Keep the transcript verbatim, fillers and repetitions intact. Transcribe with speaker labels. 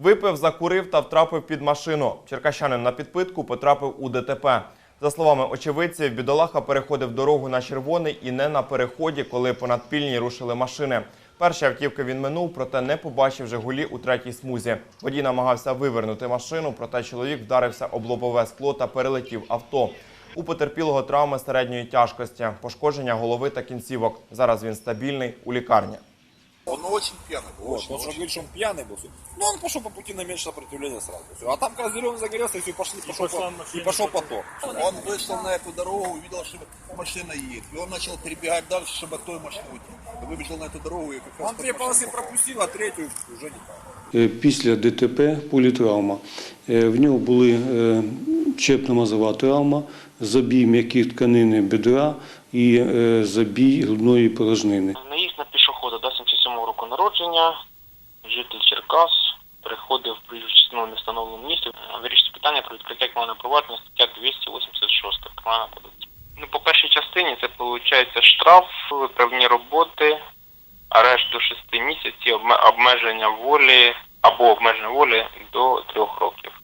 Speaker 1: Випив, закурив та втрапив під машину. Черкащанин на підпитку потрапив у ДТП. За словами очевидців, бідолаха переходив дорогу на червоний і не на переході, коли понад пільні рушили машини. Перші автівки він минув, проте не побачив «Жигулі» у третій смузі. Водій намагався вивернути машину, проте чоловік вдарився об лобове скло та перелетів авто. У потерпілого травми середньої тяжкості, пошкодження голови та кінцівок. Зараз він стабільний у лікарні.
Speaker 2: Он очень пьяный был.
Speaker 3: Вот,
Speaker 2: Очень,
Speaker 3: он же
Speaker 2: очень.
Speaker 3: говорит, что он пьяный был. Ну, он пошел по пути на меньшее сопротивление сразу. Всё. А там, когда зеленый загорелся, и все, пошли, и пошел, по, и пошел поток.
Speaker 2: Он вышел на эту дорогу, увидел, что машина едет. И он начал перебегать дальше, чтобы от той машины уйти. Выбежал на эту дорогу и как раз...
Speaker 3: Он
Speaker 2: под
Speaker 3: две
Speaker 2: машину
Speaker 3: полосы
Speaker 2: попал.
Speaker 3: пропустил, а третью уже не так.
Speaker 4: Е, Після ДТП політравма. Е, В нього були е, черепно-мозова травма, забій м'яких тканини бедра і е, забій грудної порожнини.
Speaker 5: Наїзд на пішохода до сімдесят сьомого року народження, житель Черкас, приходив в проїжджу частину в невстановленому місці. Вирішується питання про відкриття кримінального провадження, стаття двісті вісімдесят шість Кримінального кодексу. Ну, по першій частині це виходить штраф, виправні роботи, арешт до шести місяців, обмеження волі або обмеження волі до трьох років.